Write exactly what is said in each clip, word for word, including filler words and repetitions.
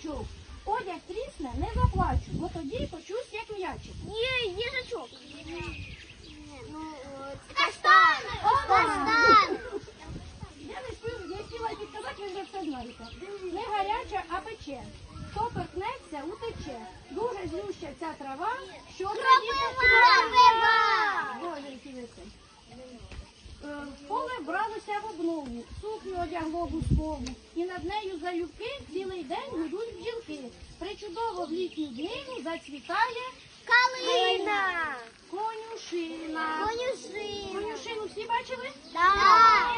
їжачок. Одяг трісне, не заплачу, бо тоді почусь, як м'ячик. Є, їжачок. Ну, Каштан! Каштан! Я не спів, я хотіла підказати, ви вже все знаєте. Не гаряча, а пече. Хто торкнеться, утече. Дуже злюща ця трава, що Кропива! Боже, які ви це. Е, В поле бралося в обнову, сукню одягло гускову, і над нею залюбки цілий день гудуть бджілки. Причудово в літню днину зацвітає Калина! конюшина. Конюшина! Конюшину всі бачили? Так!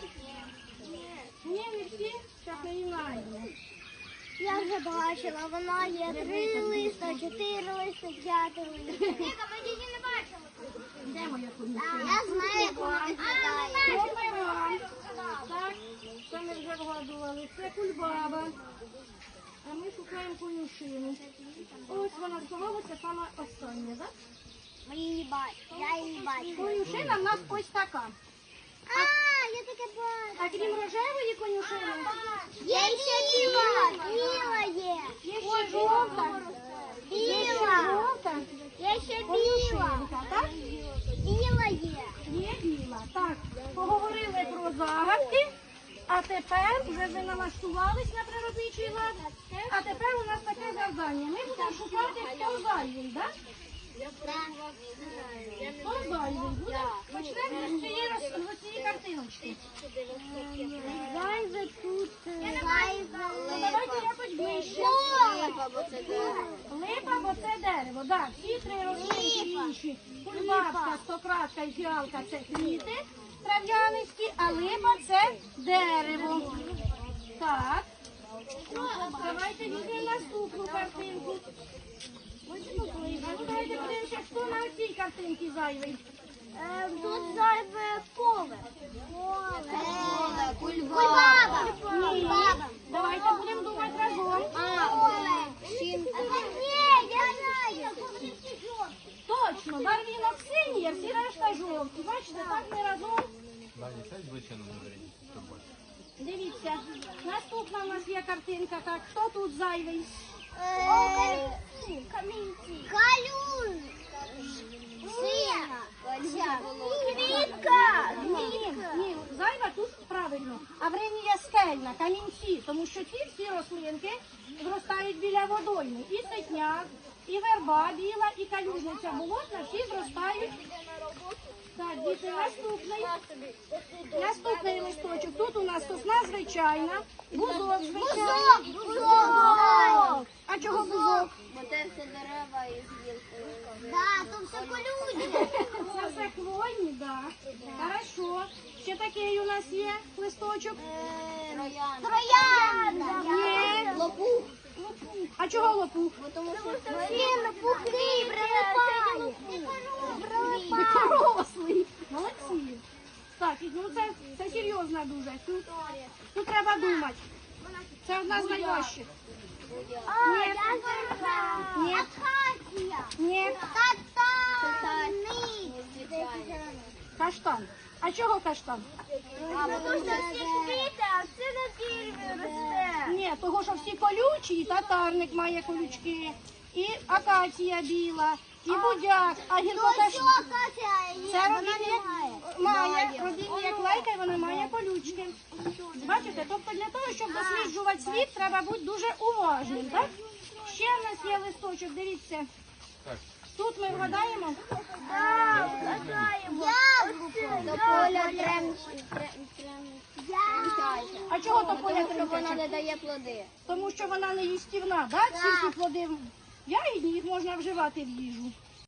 Ні, не всі, зараз не знаємо. Я вже бачила, вона є три листа, чотири листа, п'яти листа. Ніка, ми її не бачили. Де моя конюшина? Я знаю, як вона виглядає. Кольбаба. Так, це ми вже вгадували. Це кульбаба. А ми шукаємо конюшину. Ось вона сховалася саме остання, так? Ми її бачимо. Я її бачу. Конюшина в нас ось така. А, я таке бачу. А крім рожевої конюшини, Є ще біла. Біла є. є ще жовта. Є ще Біла. жовта. Є ще біла. Конюшинка, так? Біла є. Є біла. Так, поговорили про загадки, а тепер вже ви налаштувались на природничий лад. А тепер у нас таке завдання. Ми будемо шукати, хто зайвий, так? Хто зайвий буде? Почнемо з цієї роз- з цієї картиночки. Зайве тут. Зайве. Ну, давайте якось ближче. Липа, бо це дерево. Липа, бо це дерево. Так, всі три рослинки інші. Кульбабка, стократка і фіалка – це квіти трав'янисті, а липа – це дерево. Так. Давайте візьмемо наступну картинку. А давайте подивимося, хто на цій картинці зайвий. Тут зайве поле. Поле. Кульбаба. Ні. Давайте будемо думати разом. Ні, я знаю. Точно, барвінок синій, а всі решта жовті. Бачите, так ми разом. Дивіться, наступна у нас є картинка. Так, хто тут зайвий? Камінці. Калюн. Сина. Квітка. Ні, ні, зайва тут правильно. Авренія скельна, камінці, тому що ці всі рослинки зростають біля водойми. І ситняк, і верба біла, і калюжниця болотна, всі зростають. Так, діти, наступний. Наступний листочок. Тут у нас сосна звичайна, бузок звичайний. Бузок. А чого бузок? Бо це все дерева із гілкою. Так, то все колюче. Це все хвойні, так. Хорошо. Ще такий у нас є листочок. Троянда. Троянда. Ні. Лопух. А чого лопух? Тому що він пухлий, прилипає. Дикорослий. Молодці. Так, ну це, це серйозно дуже. Тут, тут треба думати. Це одна з найважчих. А, Ні. я знаю. Ні. Акація. Ні. Катаник. Каштан. А чого каштан? Тому що всі квіти, а це на дереві росте. Ні, того, що всі колючі, і татарник має колючки, і акація біла, і будяк, а гілкота ж... Це родинні має, родинні як лайка, і вона має колючки. Бачите, тобто для того, щоб досліджувати світ, треба бути дуже уважним, так? Ще в нас є листочок, дивіться. Тут ми вгадаємо. Так, вгадаємо. Яблуко. До поля тремчі. А чого то поля Тому що вона тремтяча? не дає плоди. Тому що вона не їстівна, так? Ці всі плоди ягідні, їх можна вживати в їжу.